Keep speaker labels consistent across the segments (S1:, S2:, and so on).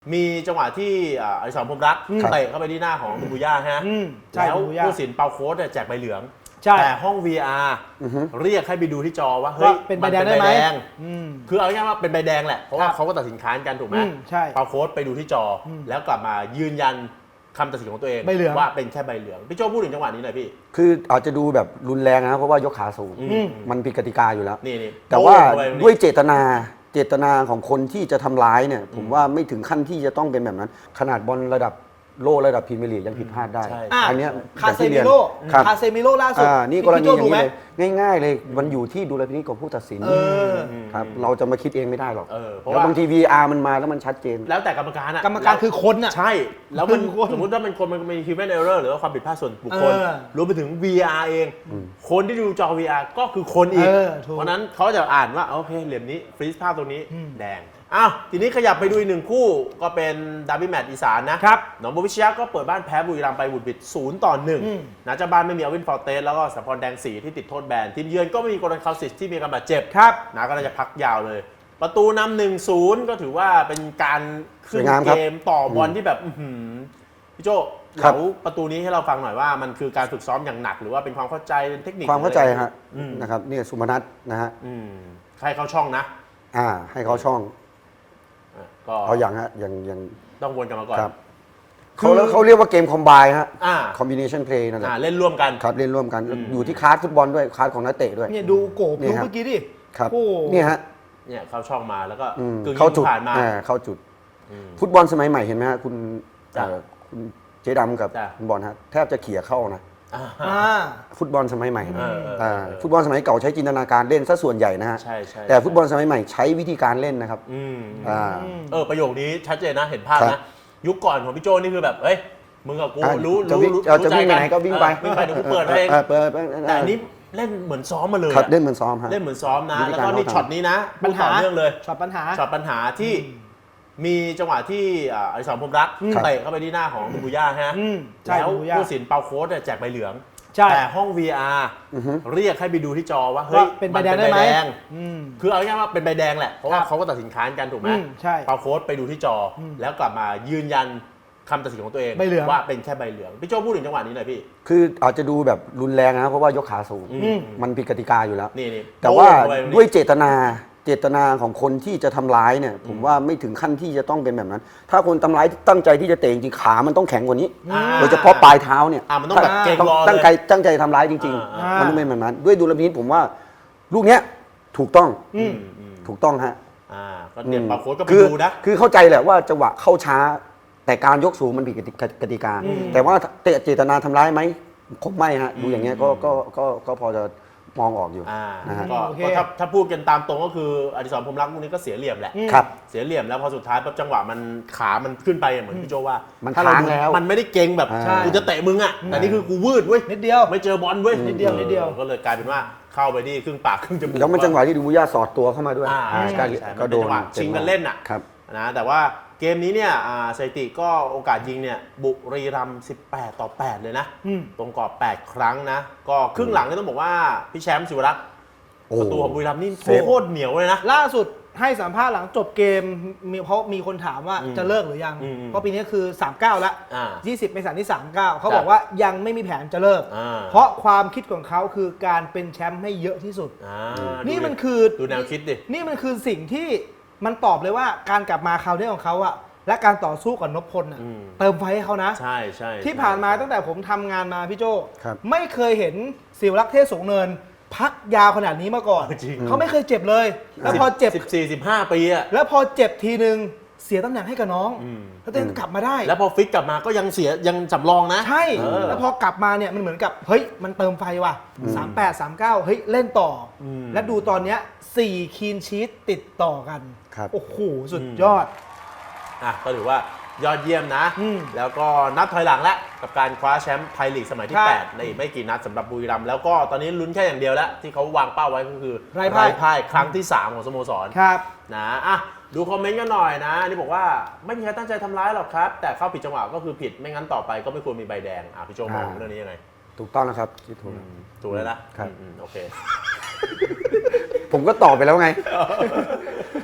S1: มีจังหวะที่อดิศรพรหมรักเตะเข้าไปที่หน้าของบูย่าฮะแล้วผู้สินเปาโค้ดแจกใบเหลืองแต่ห้อง VR เรียกให้ไปดูที่จอว่าเฮ้ย
S2: เป็นใบแดงได้ไหม
S1: คือเอาง่ายๆว่าเป็นใบแดงแหละเพราะว่าเขาก็ตัดสินค้านกันถูกไหมเปาโค้ดไปดูที่จอแล้วกลับมายืนยันคำตัดสินของตัวเองว่าเป็นแค่ใบเหลืองพี่โจ้พูดถึงจังหวะนี้หน่อยพี่
S3: คืออาจจะดูแบบรุนแรงนะเพราะว่ายกขาสูงมันผิดกติกาอยู่แล้ว
S1: นี่
S3: แต่ว่าด้วยเจตนาของคนที่จะทำร้ายเนี่ยผมว่าไม่ถึงขั้นที่จะต้องเป็นแบบนั้นขนาดบอลระดับโลระดับพรีเมียร์ลีกยังผิดพลาดได้อันนี้
S2: คาเซมิโร่ล่าสุด
S3: นี่กรณีอย่างนี้เลยง่ายๆเลยมันอยู่ที่ดุลพินิจของผู้ตัดสินครับเราจะมาคิดเองไม่ได้หรอกแล้วบางที VR มันมาแล้วมันชัดเจน
S1: แล้วแต่กรรมการ
S2: กรรมการคือคน
S1: ใช่แล้วมันสมมติว่ามันคนมันมี human error หรือว่าความผิดพลาดส่วนบุคคลรวมไปถึง VR เองคนที่ดูจอ VR ก็คือคนอีกเพราะนั้นเขาจะอ่านว่าโอเคเหลี่ยมนี้ฟรีซภาพตรงนี้แดงอ้าวทีนี้ขยับไปดูอีกหนึ่งคู่ก็เป็นดาร์บี้แมตช์อีสานนะครับหนองบัวพิชยะก็เปิดบ้านแพ้บุรีรัมย์ไปบุดบิด0-1นะเจ้าบ้านไม่มีอวินฟอร์เตสแล้วก็สัมพรแดงสีที่ติดโทษแบนทีมเยือนก็ไม่มีโกลันคาสิสที่มีการบาดเจ็บนะก็น่าจะพักยาวเลยประตูนำ 1-0 ก็ถือว่าเป็นการขึ้นเกมต่อบอลที่แบบพี่โจ้เล่าประตูนี้ให้เราฟังหน่อยว่ามันคือการฝึกซ้อมอย่างหนักหรือว่าเป็นความเข้าใจเทคนิค
S3: ความเข้าใจฮะนะครับนี่สุพนัทนะฮะ
S1: ให้เขาช่องนะ
S3: ให้เขาช่องเอาอย่างฮะอย่าง
S1: ต้องวนกันมาก่อน
S3: เขาเรียกว่าเกมคอมไบฮะคอมบิเนชันเพลย์นั่นแหละ
S1: เล่นร่วมกัน
S3: ครับเล่นร่วมกันอยู่ที่คลาสฟุตบอลด้วยคลาสของนักเตะด้วย
S2: เนี่ยดูโกบเมื่อกี้ดิ
S3: ครับนี่ฮะ
S1: เนี่ยเข้าช่องมาแล้วก็
S3: เข้าจุดเข้าจุดฟุตบอลสมัยใหม่เห็นไหมฮะคุณเจ๊ดำกับคุณบอลฮะแทบจะเขี่ยเข้านะฟุตบอลสมัยใหม่ฟุตบอลสมัยเก่าใช้จินตนาการเล่นซะส่วนใหญ่นะฮะแต่ฟุตบอลสมัยใหม่ใช้วิธีการเล่นนะครับ
S1: ประโยคนี้ชัดเจนนะเห็นภาพนะยุคก่อนของพี่โจนี่คือแบบเฮ้ยมึงกับกูรู้
S3: จะวิ่งไปไหนก็วิ่งไป
S1: เดี๋ยวกูเปิดเองแต่อันนี้เล่นเหมือนซ้อมมาเลย
S3: เล่นเหมือนซ้อมฮะ
S1: เล่นเหมือนซ้อมนะแล้วก็นี่ช็อตนี้นะปัญหาเรื่องเลย
S2: ช็อตปั
S1: ญหาที่มีจังหวะที่อดิศรพรหมรักเตะเข้าไปที่หน้าของบูย่าฮะแล้วผู้สินเปาโค้ดแจกใบเหลืองแต่ห้อง VR เรียกให้ไปดูที่จอว่าเฮ้ย
S2: เป็นใบแดงได้ไหม
S1: คือเอาง่ายๆว่าเป็นใบแดงแหละเพราะว่าเขาก็ตัดสินค้านกันถูกไหมเปาโค้ดไปดูที่จอแล้วกลับมายืนยันคำตัดสินของตัวเองว่าเป็นแค่ใบเหลืองพี่โจ้พูดถึงจังหวะนี้หน่อยพี่
S3: คืออาจจะดูแบบรุนแรงนะเพราะว่ายกขาสูงมันผิดกติกาอยู่แล้วแต่ว่าด้วยเจตนาของคนที่จะทำร้ายเนี่ยผมว่าไม่ถึงขั้นที่จะต้องเป็นแบบนั้นถ้าคนทำร้ายตั้งใจที่จะเตะจริงขามันต้องแข็งกว่านี้โดยเฉพาะปลายเท้าเนี่ย
S1: มันต้องแบบเก่งรอ
S3: ตั้งใจทำร้ายจริงๆมันต้องเป็นแบบนั้นด้วยดุลพินิจผมว่าลูกเนี้ยถูกต้องฮะ
S1: ก็เตรียมปาโค้ดก็ไปดูนะ
S3: คือเข้าใจแหละว่าจังหวะเข้าช้าแต่การยกสูงมันผิดกติกาแต่ว่าเจตนาทำร้ายไหมคงไม่ฮะดูอย่างเงี้ยก็พอจะมองออกอยู่
S1: นะฮะก็ถ้าพูดกันตามตรงก็คืออดิศรพรหมรักพวกนี้ก็เสียเหลี่ยมแหละเสียเหลี่ยมแล้วพอสุดท้ายปั๊บจังหวะมันขามันขึ้นไปเหมือนพี่โจว่า
S3: ถ้าเรา
S1: มันไม่ได้เก่งแบบกูจะเตะมึงอ่ะแต่นี่คือกูวืดเว้ย
S2: นิดเดียว
S1: ไม่เจอบอลเว้ยนิดเดียวก็เลยกลายเป็นว่าเข้าไปนี่ครึ่งปากครึ่งจมูก
S3: แล้วมันจังหวะที่ดูบุย่าสอดตัวเข้ามาด้วย
S1: ก็โดนชิงกันเล่นอ่ะนะแต่ว่าเกมนี้เนี่ยสถิติก็โอกาสยิงเนี่ยบุรีรัมย์18-8เลยนะตรงกรอบ8ครั้งนะก็ครึ่งหลังนี่ต้องบอกว่าพี่แชมป์ศิวรักษ์ประตูของบุรีรัมย์นี่โคตรเหนียวเลยนะ
S2: ล่าสุดให้สัมภาษณ์หลังจบเกมเพราะมีคนถามว่าจะเลิกหรือยังเพราะปีนี้คือ39แล้ว20เมษายนที่39เขาบอกว่ายังไม่มีแผนจะเลิกเพราะความคิดของเขาคือการเป็นแชมป์ให้เยอะที่สุดนี่มันคือ
S1: ดูแนวคิดดิ
S2: นี่มันคือสิ่งที่มันตอบเลยว่าการกลับมาคราวนี้ของเขาอะและการต่อสู้กับนพพลเติมไฟให้เขานะ
S1: ใช่
S2: ที่ผ่านมาตั้งแต่ผมทำงานมาพี่โจไม่เคยเห็นศิวรักษ์เทพสูงเนินพักยาวขนาดนี้มาก่อนเขาไม่เคยเจ็บเลยแล้วพอเจ็บ
S1: 14-15 ปีอะ
S2: แล้วพอเจ็บทีนึงเสียตำแหน่งให้กับน้องแล้วตัวกลับมาได้
S1: แล้วพอฟิตกลับมาก็ยังสำรองนะ
S2: ใช่แล้วพอกลับมาเนี่ยมันเหมือนกับเฮ้ยมันเติมไฟว่ะ38 39เฮ้ยเล่นต่อและดูตอนเนี้ย4คีนชีทติดต่อกันโอ้โหสุดยอด
S1: ก็ถือว่ายอดเยี่ยมนะแล้วก็นับถอยหลังแล้วกับการคว้าแชมป์ไทยลีกสมัยที่8ในอีกไม่กี่นัดสำหรับบุรีรัมย์แล้วก็ตอนนี้ลุ้นแค่อย่างเดียวแล้วที่เขาวางเป้าไว้ก็คือไร้พ่ายครั้งที่3ของสโมสรนะดูคอมเมนต์กันหน่อยนะนี่บอกว่าไม่มีใครตั้งใจทำร้ายหรอกครับแต่เข้าผิดจังหวะก็คือผิดไม่งั้นต่อไปก็ไม่ควรมีใบแดงพี่โจมองเรื่องนี้ยังไง
S3: ถูกต้องนะครับคิด
S1: ถูกแล้วนะครับโอเค
S3: ผมก็ตอบไปแล้วไง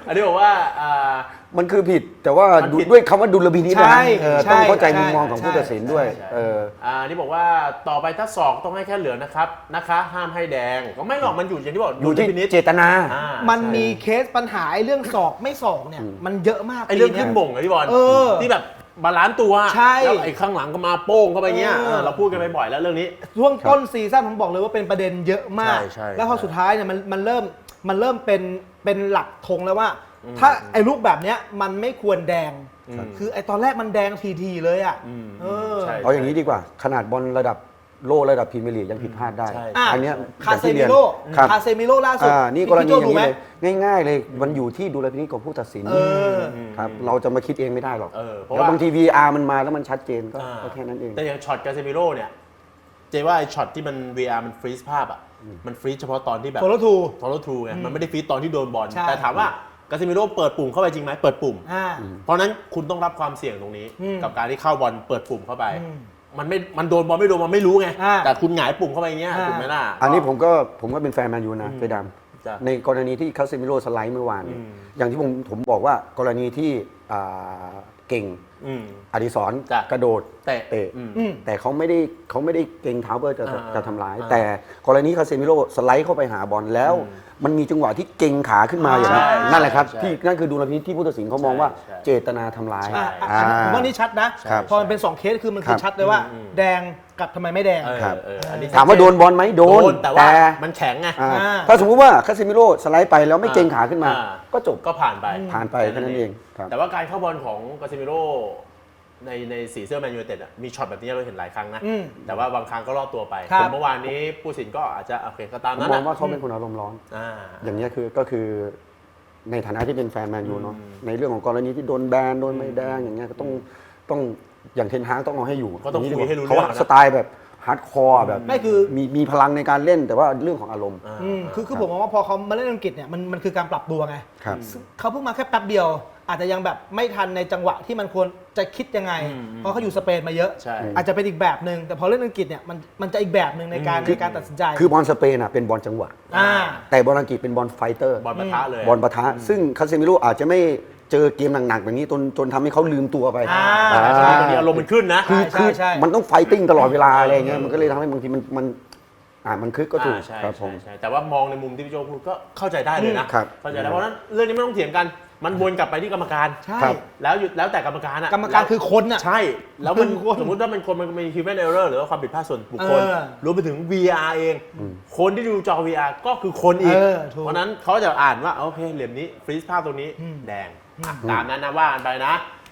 S1: อันนี้บอกว่า
S3: มันคือผิดแต่ว่า
S1: มันผิด
S3: ด้วยคำว่าดุลพินิจนะ
S2: ใช่
S3: ต้องเข้าใจ
S2: ใช่
S3: มุมมองของผู้ตัดสินด้วย
S1: ใช่นี่บอกว่าต่อไปถ้าศอกต้องให้แค่เหลืองนะครับนะคะห้ามให้แดงก็ไม่หรอกมันอยู่อย่างที่บอก
S3: อยู่ที่
S1: พินิจ
S3: เจตนา
S2: มันมีเคสปัญหาเรื่องศอกไม่ศอกเนี่ยมันเยอะมาก
S1: ไอ้เรื่อง
S2: ปี
S1: ขึ้
S2: นี้
S1: น
S2: ย
S1: บ่งไอ้พี่บอล
S2: เออ
S1: ที่แบบบาลานซ์ตัว
S2: ใช่
S1: แล้วไอ้ข้างหลังก็มาโป้งเข้าไปเงี้ย
S2: เออ
S1: เราพูดกันไปบ่อยแล้วเรื่องนี้
S2: ช่วงต้นซีซั่นผมบอกเลยว่าเป็นประเด็นเยอะมาก
S1: ใช่
S2: แล้วพอสุดท้ายเนี่ยมันเริ่มเป็นหลักธงแล้วว่า ถ้าไอ้ลูกแบบเนี้ยมันไม่ควรแดง คือไอ้ตอนแรกมันแดงทีเลยอ่ะเออ
S1: ใช่
S3: เอาอย่างนี้ดีกว่า ขนาดบอลระดับโลระดับพรีเมียร์ลีกยังผิดพลาดได้
S1: ใช่
S3: อันเนี้ย
S2: คาเซมิ
S3: อย่งที่
S2: โร่
S3: ยนครับ
S2: คาเซมิโร่ล่าสุด
S3: นี่กรณี
S2: พี่
S3: อ
S2: โจ้
S3: ย่างนี้
S2: ดูไหม
S3: เลยง่าย ๆ เลยมันอยู่ที่ดุลพินิจของผู้ตัดสิน
S2: เออ
S3: ครับเราจะมาคิดเองไม่ได้หรอก
S1: เพราะ
S3: แล้ว
S1: ว่า
S3: บางที VR มันมาแล้วมันชัดเจนก็แค่นั้นเอง
S1: แต่อย่างช็อตกาเซมิโร่เนี่ยเจว่าไอ้ช็อตที่มัน VR มันฟรีซภาพอ่ะมันฟรีซเฉพาะตอนที่แบบ
S2: โฟลว์ทู
S1: ฟอลโล่ทรูไงมันไม่ได้ฟรีซตอนที่โดนบอล
S2: ใช่
S1: แต่ถามว่ากาเซมิโร่เปิดปุ่มเข้าไปจริงไหมเปิดปุ่ม
S2: อ่า
S1: เพราะฉะนั้นคุณต้องรับความเสี่ยงตรงนี้
S2: อืม
S1: กับการที่เข้าบอลเปิดปุ่มเข้าไป
S2: อืม
S1: มันโดนบอลไม่โดนมันไม่รู้ไง
S2: อ่า
S1: แต่คุณหงายปุ่มเข้าไปอย่างเงี้ย
S2: อ่า
S1: ถูกไหมล่ะ
S3: อันนี้ผมก็เป็นแฟนแมนยูนะเจด
S1: จ้ะ
S3: ำในกรณีที่คาเซมิโร่สไลด์เมื่อวานเนี่ย
S1: อืม
S3: อย่างที่ผมบอกว่ากรณีที่เก่ง
S1: อืม
S3: อดิศร
S1: จ้ะ
S3: กระโดด
S1: เตะ
S2: อืม
S3: แต่เขาไม่ได้เก่งเท้าเพื่อจะทำร้าย
S1: อ่า
S3: แต่กรณีคาเซมิโร่สไลด์เข้าไปหาบอลแล้ว มันมีจังหวะที่เก่งขาขึ้นมาอย่างนั้น
S1: ใช่
S3: นั่นแหละครับ
S1: ใช่
S3: ที่นั่นคือดุลพินิจที่ผู้ตัดสินเขามองว่า
S1: ใช่
S3: เจตนาทำร้าย
S1: ใช่
S2: ผมว่านี่ชัดนะ
S3: ครับ
S2: พอมันเป็น 2 เคสคือมันคือ
S3: ครับ
S2: ชัดเลยว่า แดงกับทำไมไม่แดง
S3: ครับ
S1: อันนี้
S3: ถามว่าโดนบอลไหมโดน
S1: แต่ว่ามันแข็งไง
S3: ถ้าสมมุติว่าคาเซมิโร่สไลด์ไปแล้วไม่เก่งขาขึ้นมา
S1: อ่า
S3: ก็จบ
S1: ก็ผ่านไป
S3: ผ่านไปแค่นั้นเองครับ
S1: แต่ว่าการเข้าบอลของกาเซมิโร่ในสีเสื้อแมนยูไนเต็ดอะมีช็อตแบบนี้เราเห็นหลายครั้งนะ
S2: อืม
S1: แต่ว่าบางครั้งก็รอดตัวไป
S2: ครับ
S1: ส่วนเมื่อวานนี้ผู้สินก็อาจจะโอเคก็ตาม
S3: ผม
S1: นั้น
S3: มอง
S1: นะ
S3: ว่าเขาเป็นคนอารมณ์ร้อน
S1: อ่า
S3: อย่างนี้ยก็คือในฐานะที่เป็นแฟนแมนยูเนาะในเรื่องของกรณีที่โดนแบนโดนไม่แดงอย่างเงี้ยก็ต้องอย่างเทนฮากต้องเอาให้อยู่
S1: ก็ต้องคุยให้รู้
S3: เขา
S1: เรื่อง
S3: ว่า
S1: นะ
S3: สไตล์แบบฮาร์ดคอร์แบบ
S2: ไม่คือ
S3: มีพลังในการเล่นแต่ว่าเรื่องของอารมณ์
S2: คือผมมองว่าพอเขามาเล่นอังกฤษเนี่ยมันคือการปรับตัวไง
S3: ครับ
S2: เขาเพิ่งมาแค่แป๊บเดียว อาจจะยังแบบไม่ทันในจังหวะที่มันควรจะคิดยังไง เพราะเขาอยู่สเปนมาเยอะ
S1: ใช่
S2: อาจจะเป็นอีกแบบหนึ่งแต่พอเล่นอังกฤษเนี่ยมันจะอีกแบบหนึ่งในการตัดสินใจ
S3: คือบอลสเปนอ่ะเป็นบอลจังหวะ
S2: อ่า
S3: แต่บอลอังกฤษเป็นบอลไฟเตอร์
S1: บอลปะทะเลย
S3: บอลปะทะซึ่งคาเซมิโร่อาจจะไม่เจอเกมหนักๆแบบนี้จนทำให้เขาลืมตัวไป
S1: แต่บางทีอารมณ์มันขึ้นนะ
S2: ใช่
S3: มันต้องไฟติ้งตลอดเวลาอะไรเงี้ยมันก็เลยทำให้บางทีมันคึกก็ถูก
S1: ใช่
S3: ครับผม
S1: ใช่แต่ว่ามองในมุมที่พี่โจพูดก็เข้าใจได้เลยนะครับ เข้าใจได้เพราะฉะนั้นเรื่องนี้ไม่ต้องเถียงกันมันวนกลับไปที่กรรมการ
S2: ใช่
S1: แล้วแต่กรรมการอะ
S2: กรรมการคือคนอ่ะ
S1: ใช่แล้วมัน
S2: คือคน
S1: สมมติว่ามันมี human error หรือว่าความผิดพลาดส่วนบุคคล รวมไปถึง VR เอง คนที่ดูจอ VR ก็คือคนอีก
S2: ถูก
S1: เพราะฉะนั้นเขาจะอ่านว่าโอเคเหลี่ยมนี้ฟรีซภาพตรงนี้แดงตามนั้นนะว่ากันไปนะ